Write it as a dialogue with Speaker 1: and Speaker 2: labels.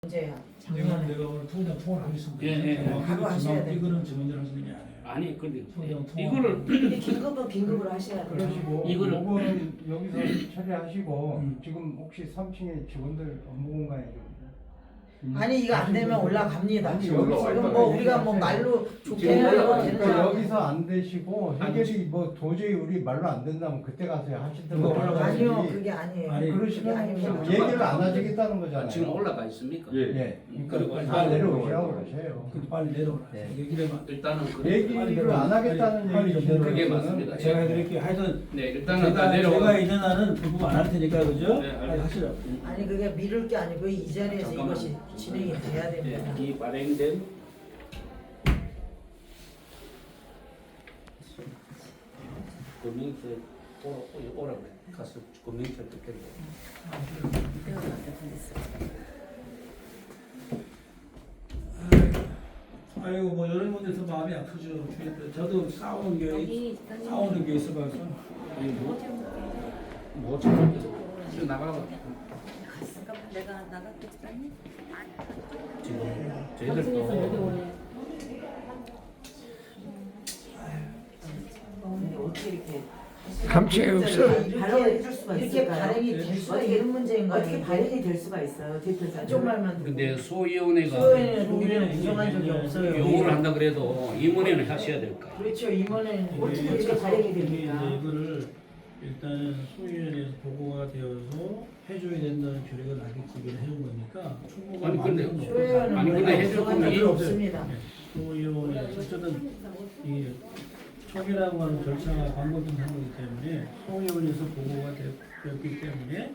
Speaker 1: 문제야.
Speaker 2: 내가 오늘 통장 통화를 하겠습니다.
Speaker 1: 바로 하셔야 돼요.
Speaker 2: 이거는 증언을 하시는 게 아니에요.
Speaker 3: 아니 근데
Speaker 2: 통장 통화.
Speaker 3: 이거를
Speaker 1: 근데 긴급은 긴급으로 하셔야 돼요.
Speaker 4: 그러시고
Speaker 3: 이거를-
Speaker 4: 요거는 여기서 처리하시고 지금 혹시 3층에 직원들 업무 공간에 좀
Speaker 1: 아니 이거 안 되면 올라갑니다.
Speaker 4: 아니,
Speaker 1: 지금
Speaker 4: 올라와요.
Speaker 1: 뭐 우리가 뭐 말로 좋게 하려고
Speaker 4: 그러니까
Speaker 1: 되는 거
Speaker 4: 여기서 안 되시고 해결이 뭐 도저히 우리 말로 안 된다면 그때 가서 하시든
Speaker 2: 이거 올라가요.
Speaker 1: 아니요 그게 아니에요.
Speaker 2: 아니,
Speaker 1: 그게
Speaker 4: 그러시면
Speaker 1: 아닙니다.
Speaker 4: 얘기를 안 하시겠다는 거잖아요.
Speaker 3: 지금 올라가 있습니까?
Speaker 4: 예.
Speaker 3: 그리고
Speaker 4: 그러니까 다 내려오시라고 그러세요.
Speaker 2: 근데 빨리 내려오라.
Speaker 4: 네.
Speaker 2: 얘기를 해봐.
Speaker 3: 일단은
Speaker 4: 얘기를 안 하겠다는
Speaker 2: 빨리 좀
Speaker 4: 얘기죠.
Speaker 3: 그게 맞습니다.
Speaker 2: 제가 해드릴게요. 하여튼
Speaker 3: 네 일단은 다 내려가.
Speaker 2: 제가 있는 한은 그 부분 안 할 테니까 그죠?
Speaker 3: 네,
Speaker 2: 빨리 하시죠.
Speaker 1: 아니 그게 미룰 게 아니고 이 자리에서
Speaker 3: 잠깐만.
Speaker 1: 이것이 진행이 돼야 됩니다.
Speaker 3: 이 발행된 금융세 오라 그래. 가서 금융세 듣겠네.
Speaker 2: 아이고 뭐 이런 문제에서 마음이 아프죠. 저도 싸우는 게 있어가지고.
Speaker 3: 뭐 지금 지금 나가봐.
Speaker 5: 잠깐만 내가 나갔겠다니.
Speaker 3: 지금 저희들도
Speaker 1: 근데 어떻게 이렇게
Speaker 6: 감치가 없어.
Speaker 1: 발언을
Speaker 7: 해줄 수가
Speaker 1: 이렇게
Speaker 7: 있을까요?
Speaker 1: 발행이 될 수가
Speaker 7: 어떻게-
Speaker 1: 있는 문제인가요?
Speaker 7: 어떻게 발행이 될 수가 있어요, 대표자?
Speaker 1: 쪽 말만 듣고.
Speaker 3: 근데 소위원회가
Speaker 1: 소위원회는 우리는 부정한 적이 없어요.
Speaker 3: 요구를 한다 그래도 임원회는 하셔야 될까?
Speaker 1: 그렇죠. 이번에는
Speaker 7: 어떻게 이렇게 발행이 됩니까?
Speaker 2: 이제 이거를 일단은 소위원회에서 보고가 되어서 해줘야 된다는 규례가 나겠지기는 해준 거니까 충분히
Speaker 3: 아니, 근데
Speaker 1: 소위원회는
Speaker 3: 아니, 근데 해줄
Speaker 1: 부정한
Speaker 3: 거면
Speaker 1: 적이
Speaker 3: 이-
Speaker 1: 없습니다.
Speaker 2: 소위원회 어쨌든 이 촉이라고 하는 절차가 방법이 하는 거기 때문에 소위원회에서 보고가 되었기 때문에